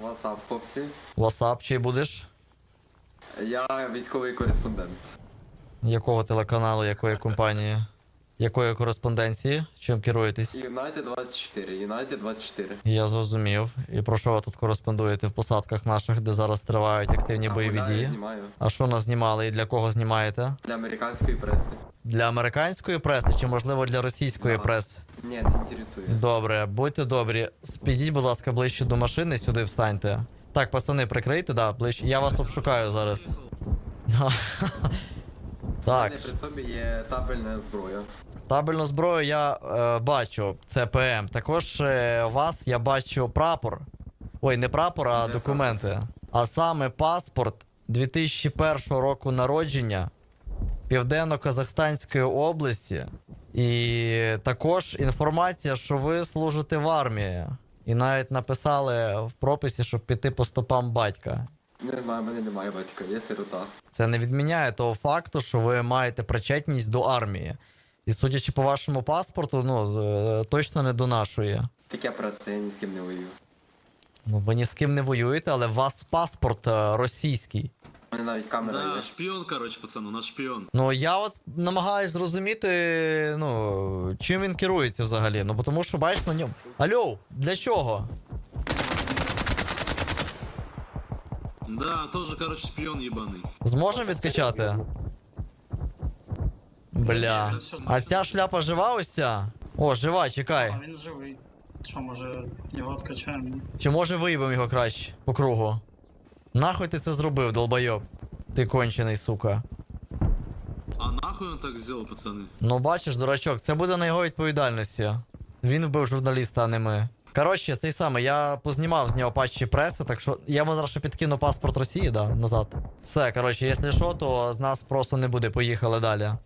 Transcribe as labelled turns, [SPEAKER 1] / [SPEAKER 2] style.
[SPEAKER 1] Васап, хлопці.
[SPEAKER 2] Васап, чий будеш?
[SPEAKER 1] Я військовий кореспондент.
[SPEAKER 2] Якого телеканалу, якої компанії? Якої кореспонденції? Чим керуєтесь?
[SPEAKER 1] Юнайтед 24, Юнайтед 24.
[SPEAKER 2] Я зрозумів. І про що ви тут кореспондуєте в посадках наших, де зараз тривають активні бойові
[SPEAKER 1] гуляю,
[SPEAKER 2] дії?
[SPEAKER 1] знімаю.
[SPEAKER 2] А що нас знімали і для кого знімаєте?
[SPEAKER 1] Для американської преси.
[SPEAKER 2] Для американської преси чи, можливо, для російської
[SPEAKER 1] Да.
[SPEAKER 2] преси?
[SPEAKER 1] Ні, не інтересує.
[SPEAKER 2] Добре, будьте добрі. Підіть, будь ласка, ближче до машини, сюди встаньте. Так, пацани, прикрийте, да, ближче. Я вас обшукаю зараз.
[SPEAKER 1] У
[SPEAKER 2] Так,
[SPEAKER 1] мене при собі є табельна зброя.
[SPEAKER 2] табельну зброю я бачу, це ПМ. Також у вас я бачу прапор. Ой, не прапор, а
[SPEAKER 1] Не
[SPEAKER 2] документи. А саме паспорт 2001 року народження Південно-Казахстанської області. І також інформація, що ви служите в армії. І навіть написали в прописі, щоб піти по стопам батька.
[SPEAKER 1] Не знаю, в мене немає батька, є сирота.
[SPEAKER 2] Це не відміняє того факту, що ви маєте причетність до армії. І судячи по вашому паспорту, ну, точно не до нашої.
[SPEAKER 1] Таке преса, я ні з ким не воюю.
[SPEAKER 2] Ну, ви ні з ким не воюєте, але у вас паспорт російський.
[SPEAKER 1] У мене навіть камера
[SPEAKER 3] Да,
[SPEAKER 1] є.
[SPEAKER 3] шпион, короче, пацан, у нас шпион.
[SPEAKER 2] Ну, я от намагаюсь зрозуміти, ну, чим він керується взагалі. Ну, бо тому що, бачиш, на ньому. Алло, для чого?
[SPEAKER 3] Да, тоже, короче, шпион ебаный.
[SPEAKER 2] Зможемо відкачати? Бля. А ця шляпа жива ось ця? О, жива, чекай.
[SPEAKER 4] А він живий. Що, може, його відкачаємо?
[SPEAKER 2] Чи може виїбемо його краще по кругу? Нахуй ти це зробив, долбойоб? Ти кончений, сука.
[SPEAKER 3] А нахуй он так сделал, пацаны?
[SPEAKER 2] Ну бачиш, дурачок, це буде на його відповідальності. Він вбив журналіста, а не ми. Коротше, цей самий, я познімав з нього патчі преси, так що я йому зараз ще підкину паспорт Росії, да, назад. Все, коротше, якщо що, то з нас просто не буде, поїхали далі.